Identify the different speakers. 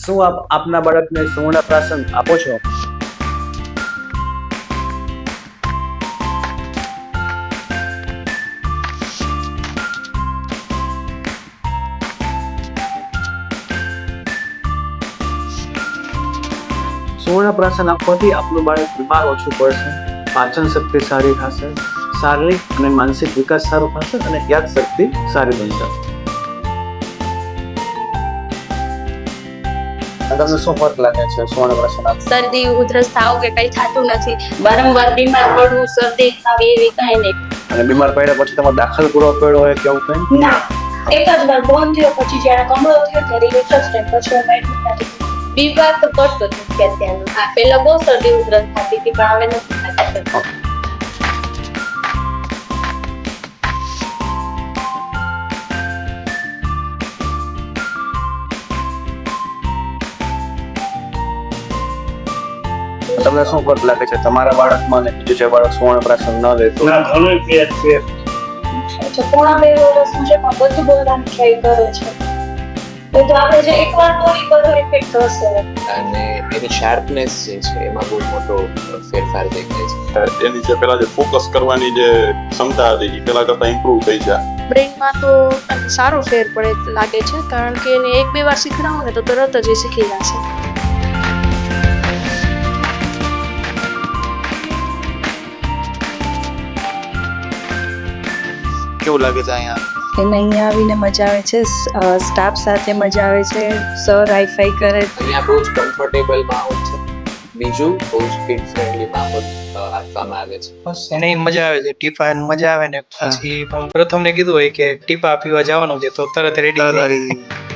Speaker 1: શું આપ આપના બાળકને સુવર્ણ પ્રાશન આપો છો? સુવર્ણ પ્રાશન આપવાથી આપનું બાળક બીમાર ઓછું પડશે, પાચન શક્તિ સારી થશે, શારીરિક અને માનસિક વિકાસ સારો થશે અને યાદ શક્તિ સારી બનશે. તમને શું ફરક લાગે છે સુવર્ણ પ્રાશન આપવાથી?
Speaker 2: શરદી ઉધરસ થાવ કે કઈ થતું નથી, વારંવાર બીમાર પડવું, શરદી થાવ એવી કઈ નહીં.
Speaker 1: અને બીમાર પડ્યા પછી તમારે દાખલ કરવો પડ્યો હોય કે એવું કંઈ?
Speaker 2: ના, એક જ વાર બંધ થયો, પછી જ્યારે કમળો થયો ત્યારે એક જ ટાઈમ, પછી અમે નથી. બીમાર તો પડતો જ નથી અત્યારનો. હા, પહેલા બહુ શરદી ઉધરસ થતી હતી પણ હવે નથી થતી.
Speaker 1: તમને શું ફરક લાગે છે તમારા બાળકમાં અને બીજું જે બાળક સુવર્ણ પ્રાશન ન લેતો?
Speaker 3: ના, ઘણો ફેર છે.
Speaker 2: પોણા 2 વર્ષનું છે પણ બધું બોલવાનું ટ્રાય કરે છે. તો આપણે જે એકવાર બોલી બધો ઇફેક્ટ થશે.
Speaker 4: અને એની શાર્પનેસ જે છે એમાં બહુ મોટો ફેરફાર દેખાય છે.
Speaker 5: એની જે પેલા જે ફોકસ કરવાની જે ક્ષમતા હતી એ પેલા કરતા ઇમ્પ્રુવ થઈ છે.
Speaker 6: બ્રેઇનમાં તો સારો ફેર પડે લાગે છે, કારણ કે એને 1-2 વાર શીખડાવો ને તો તરત જ એ શીખી જશે.
Speaker 4: કેવું લાગે છે અહીંયા?
Speaker 7: એને અહીંયા આવીને મજા આવે છે, સ્ટાફ સાથે મજા આવે છે, સર હાઈફાઈ કરે.
Speaker 4: અહીંયા બહુ જ કમ્ફર્ટેબલ માહોલ છે. બીજું બહુ જ કિડ ફ્રેન્ડલી માહોલ આપવામાં આવે છે.
Speaker 8: બસ એને મજા આવે છે, ટીપા મજા આવે ને પછી પ્રથમ ને કીધું હોય કે ટીપા પીવા જવાનું છે તો તરત રેડી